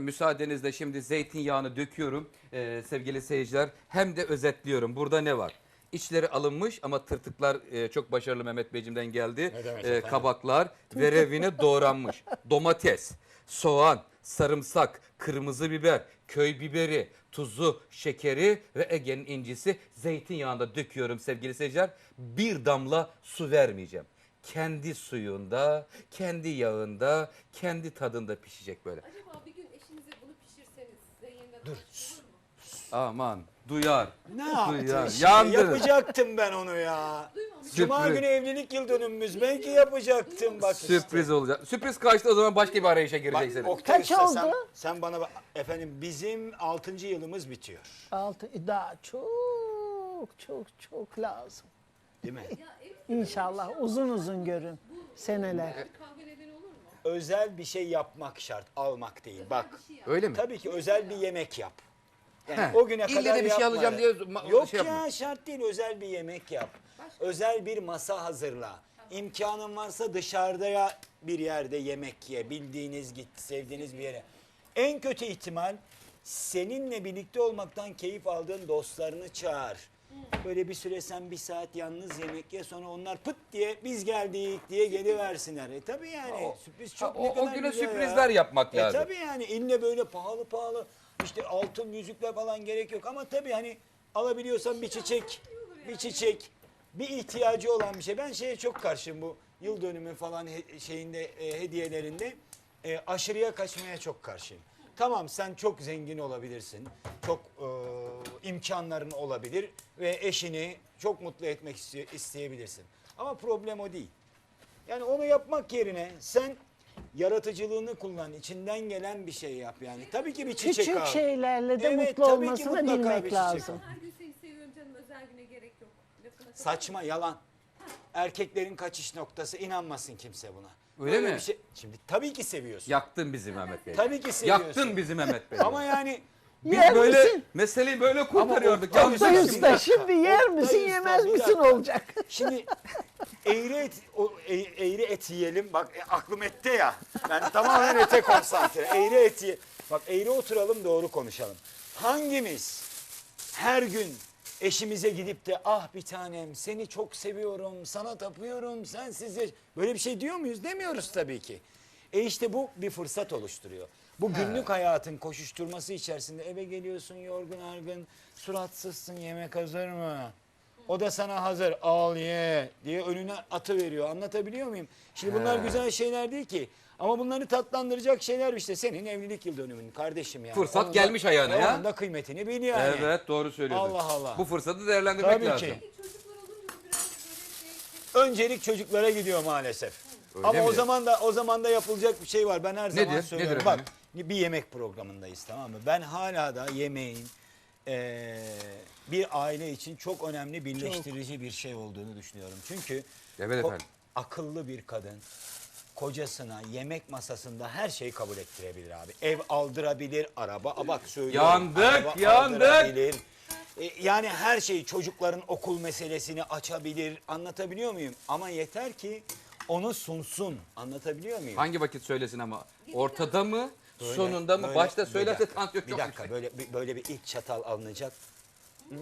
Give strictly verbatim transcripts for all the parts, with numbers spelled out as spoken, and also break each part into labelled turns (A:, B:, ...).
A: müsaadenizle şimdi zeytinyağını döküyorum ee, sevgili seyirciler. Hem de özetliyorum. Burada ne var? İçleri alınmış ama tırtıklar e, çok başarılı Mehmet Beyciğimden geldi. E, kabaklar verevine doğranmış. Domates, soğan, sarımsak, kırmızı biber, köy biberi, tuzu, şekeri ve Ege'nin incisi zeytinyağında döküyorum sevgili seyirciler. Bir damla su vermeyeceğim. Kendi suyunda, kendi yağında, kendi tadında pişecek böyle.
B: Acaba bir gün eşinize bunu pişirseniz size yeniden
C: Dur.
B: olur mu?
A: Aman duyar.
C: Ne yaptın?
A: Duyar.
C: Şimdi?
A: Yandınız.
C: Yapacaktım ben onu ya. Cuma
A: Sürpriz.
C: günü evlilik yıl dönümümüz. Belki yapacaktım bak işte.
A: Sürpriz olacak. Sürpriz kaçtı o zaman başka bir arayışa
C: Bak,
A: gireceksiniz.
C: Oktay
D: Kaç
C: Usta,
D: oldu?
C: Sen, sen bana bak. Efendim bizim altıncı yılımız bitiyor.
D: Altı, daha çok çok çok lazım.
C: Değil mi?
B: Ya evet,
D: İnşallah uzun uzun görün seneler.
B: bir kavga nedeni olur mu?
C: Özel bir şey yapmak şart. Almak değil. Bak.
B: Bir şey yap.
A: Öyle mi?
C: Tabii ki özel bir yemek yap. Yani
A: He,
C: o güne
A: ille
C: kadar
A: de bir şey
C: yapma
A: alacağım
C: ya.
A: diye ma-
C: Yok
A: şey
C: ya
A: yapma.
C: şart değil, özel bir yemek yap. Özel bir masa hazırla. İmkanın varsa dışarıda ya bir yerde yemek ye. Bildiğiniz git, sevdiğiniz bir yere. En kötü ihtimal seninle birlikte olmaktan keyif aldığın dostlarını çağır. Böyle bir süre sen bir saat yalnız yemek ye, sonra onlar pıt diye biz geldik diye geliversinler. E tabii yani
A: O-
C: sürpriz çok
A: o-
C: ne
A: o
C: kadar
A: güne
C: güzel
A: sürprizler
C: ya.
A: yapmak
C: E
A: lazım.
C: tabii yani ille böyle pahalı pahalı işte altın yüzükler falan gerek yok. Ama tabii hani alabiliyorsan bir çiçek, bir çiçek, bir ihtiyacı olan bir şey. Ben şeye çok karşıyım, bu yıl dönümü falan he- şeyinde e, hediyelerinde e, aşırıya kaçmaya çok karşıyım. Tamam, sen çok zengin olabilirsin, çok e, imkanların olabilir ve eşini çok mutlu etmek iste- isteyebilirsin. Ama problem o değil. Yani onu yapmak yerine sen yaratıcılığını kullan, içinden gelen bir şey yap yani. Tabii ki bir çiçek
D: Küçük
C: al.
D: şeylerle de
C: Evet,
D: mutlu
C: tabii ki
D: olmasını
C: mutlaka bir
D: bilmek
C: çiçek.
D: lazım.
B: Her gün seni seviyorum canım, özel güne gerek yok. Lafına kadar-
C: Saçma, yalan. Erkeklerin kaçış noktası, inanmasın kimse buna.
A: Öyle
C: Böyle
A: mi?
C: Bir şey, şimdi tabii ki seviyorsun.
A: Yaktın bizi Mehmet Bey.
C: Tabii ki seviyorsun.
A: Yaktın bizi Mehmet Bey.
C: Ama yani
A: Biz
D: Yer
A: böyle
D: misin?
A: meseleyi böyle kurtarıyorduk.
C: Oktay
A: Yanlış
D: Oktay
A: şimdi.
D: Usta şimdi yer
C: Oktay
D: misin
C: Usta,
D: yemez
C: bir
D: misin
C: dakika.
D: olacak.
C: şimdi eğri et, o, e- eğri et yiyelim. Bak e, aklım ette ya. Ben tamamen ete konsantre. Eğri et ye. Bak eğri oturalım, doğru konuşalım. Hangimiz her gün eşimize gidip de ah bir tanem seni çok seviyorum, sana tapıyorum, sensiz yaş-" böyle bir şey diyor muyuz? Demiyoruz tabii ki. E işte bu bir fırsat oluşturuyor. Bu günlük hayatın koşuşturması içerisinde eve geliyorsun yorgun argın, suratsızsın, yemek hazır mı? O da sana hazır, al ye diye önüne atı veriyor. Anlatabiliyor muyum? Şimdi bunlar güzel şeyler değil ki. Ama bunları tatlandıracak şeyler işte senin evlilik yıl dönümün kardeşim yani.
A: Fırsat
C: Onun da-
A: gelmiş ayağına
C: e,
A: ya.
C: Onun da kıymetini bil yani.
A: Evet doğru söylüyorsun.
C: Allah Allah.
A: Bu fırsatı değerlendirmek
C: Tabii
A: lazım.
C: ki.
B: Peki çocuklar olunca bu biraz böyle şey...
C: Öncelik çocuklara gidiyor maalesef.
A: Öyle
C: Ama
A: mi?
C: o zaman da o zaman da yapılacak bir şey var. Ben her zaman
A: Nedir?
C: söylüyorum.
A: Nedir
C: Bak
A: efendim?
C: bir yemek programındayız, tamam mı? Ben hala da yemeğin eee, bir aile için çok önemli birleştirici bir şey olduğunu düşünüyorum. Çünkü
A: Evet
C: ko-
A: efendim.
C: akıllı bir kadın kocasına yemek masasında her şeyi kabul ettirebilir abi. Ev aldırabilir, araba, a bak söylüyorum.
A: Yandık,
C: araba
A: yandık.
C: aldırabilir. E, Yani her şeyi, çocukların okul meselesini açabilir. Anlatabiliyor muyum? Ama yeter ki onu sunsun. Anlatabiliyor muyum?
A: Hangi vakit söylesin ama? Ortada mı?
C: Böyle,
A: sonunda mı?
C: böyle,
A: Başta
C: bir
A: söylerse
C: dakika,
A: tansiyon
C: Bir
A: çok
C: dakika,
A: yüksek.
C: böyle bir- böyle bir ilk çatal alınacak. Hmm,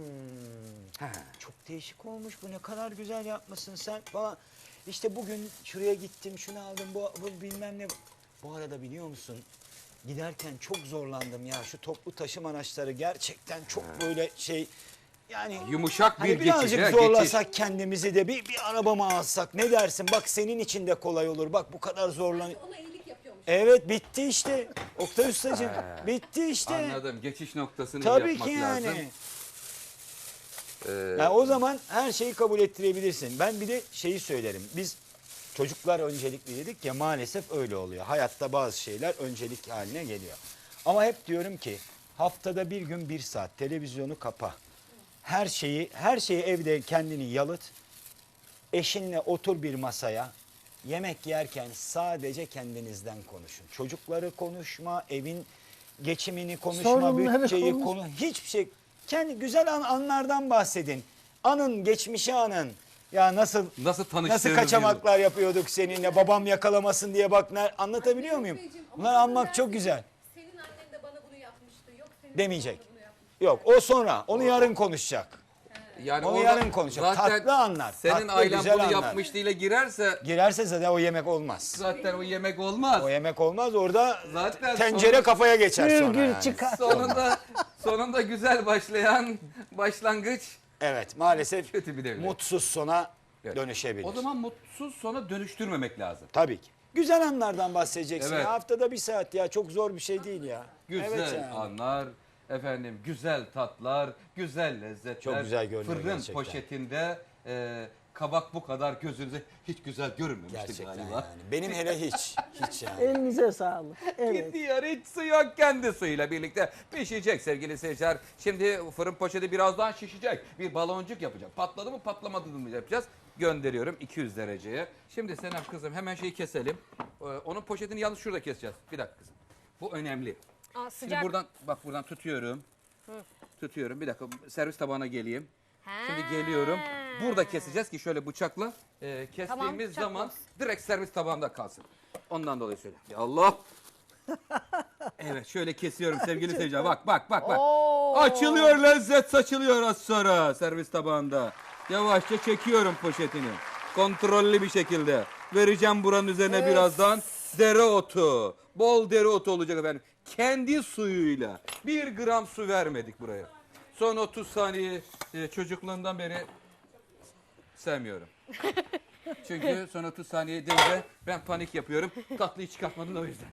A: He.
C: çok değişik olmuş bu, ne kadar güzel yapmışsın sen falan. İşte bugün şuraya gittim, şunu aldım, bu, bu bilmem ne. Bu arada biliyor musun? Giderken çok zorlandım ya. Şu toplu taşıma araçları gerçekten çok böyle şey, yani
A: Yumuşak bir
C: hani
A: geçiş.
C: birazcık
A: he,
C: zorlasak kendimizi de bir, bir araba mı alsak, ne dersin? Bak senin için de kolay olur. Bak bu kadar zorlan.
B: Ona iyilik yapıyormuş.
C: Evet, bitti işte. Oktay Ustacığım bitti işte.
A: Anladım. Geçiş noktasını
C: Tabii
A: yapmak
C: ki yani.
A: lazım. Ee,
C: Yani o zaman her şeyi kabul ettirebilirsin. Ben bir de şeyi söylerim. Biz çocuklar öncelikli dedik ya, maalesef öyle oluyor. Hayatta bazı şeyler öncelik haline geliyor. Ama hep diyorum ki haftada bir gün bir saat televizyonu kapa. Her şeyi her şeyi evde kendini yalıt. Eşinle otur bir masaya. Yemek yerken sadece kendinizden konuşun. Çocukları konuşma, evin geçimini konuşma,
D: Sorunları
C: bütçeyi
D: konuş-
C: konu, hiçbir şey. Kendi güzel an, anlardan bahsedin. Anın, geçmişi anın. Ya nasıl
A: Nasıl tanıştığınız
C: nasıl kaçamaklar yapıyorduk seninle, babam yakalamasın diye, bak ne, anlatabiliyor muyum?
B: Beyciğim, ama
C: Bunları
B: kadın
C: anmak çok
B: dersin,
C: güzel.
B: Senin
C: Demeyecek. Yok o sonra. Onu yarın konuşacak.
A: Yani
C: Onu
A: orada
C: yarın konuşalım.
A: zaten
C: Tatlı anlar,
A: Senin
C: tatlı,
A: ailen
C: güzel
A: bunu
C: anlar.
A: yapmışlığıyla girerse
C: Girerse zaten o yemek olmaz.
A: zaten o yemek olmaz.
C: O yemek olmaz. Orada
A: Zaten
C: tencere
A: sonra-
C: kafaya geçer sonra.
D: Gürgür
C: yani.
D: çıkar.
A: Sonunda sonunda güzel başlayan başlangıç
C: Evet maalesef
A: kötü bir devlet.
C: mutsuz sona
A: Evet.
C: dönüşebilir.
A: O zaman mutsuz sona dönüştürmemek lazım.
C: Tabii ki. Güzel anlardan bahsedeceksin.
A: Evet.
C: Ya. Haftada bir saat ya çok zor bir şey değil ya.
A: Güzel
C: Evet yani.
A: anlar, efendim güzel tatlar, güzel lezzetler.
C: Çok güzel görünüyor
A: Fırın
C: gerçekten.
A: poşetinde e, kabak bu kadar gözünüze hiç güzel görünmemişti
C: Gerçekten
A: galiba.
C: yani. Benim hele hiç. Hiç yani.
D: Elinize sağlık. Evet.
A: Gidiyor hiç su yok, kendi suyuyla birlikte pişecek sevgili seyirciler. Şimdi fırın poşeti birazdan şişecek. Bir baloncuk yapacak. Patladı mı patlamadı mı yapacağız. Gönderiyorum iki yüz dereceye. Şimdi Senem kızım hemen şeyi keselim. Ee, onun poşetini yalnız şurada keseceğiz. Bir dakika kızım. Bu önemli.
B: Aa,
A: Şimdi
B: sıcak.
A: buradan bak buradan tutuyorum. Tutuyorum. Bir dakika servis tabağına geleyim. Şimdi geliyorum. Burada keseceğiz ki şöyle bıçakla e, kestiğimiz
B: Tamam, bıçak
A: zaman
B: olsun.
A: direkt servis tabağında kalsın. Ondan dolayı söyle. Ya Allah. Evet şöyle kesiyorum sevgili seyirciler. Bak bak bak bak. Açılıyor, lezzet saçılıyor az sonra servis tabağında. Yavaşça çekiyorum poşetini. Kontrollü bir şekilde. Vereceğim buranın üzerine birazdan dereotu. Bol dereotu olacak efendim. Kendi suyuyla. Bir gram su vermedik buraya. Son otuz saniye e, çocukluğumdan beri sevmiyorum. Çünkü son otuz saniye deyince ben panik yapıyorum. Tatlıyı çıkartmadın o yüzden.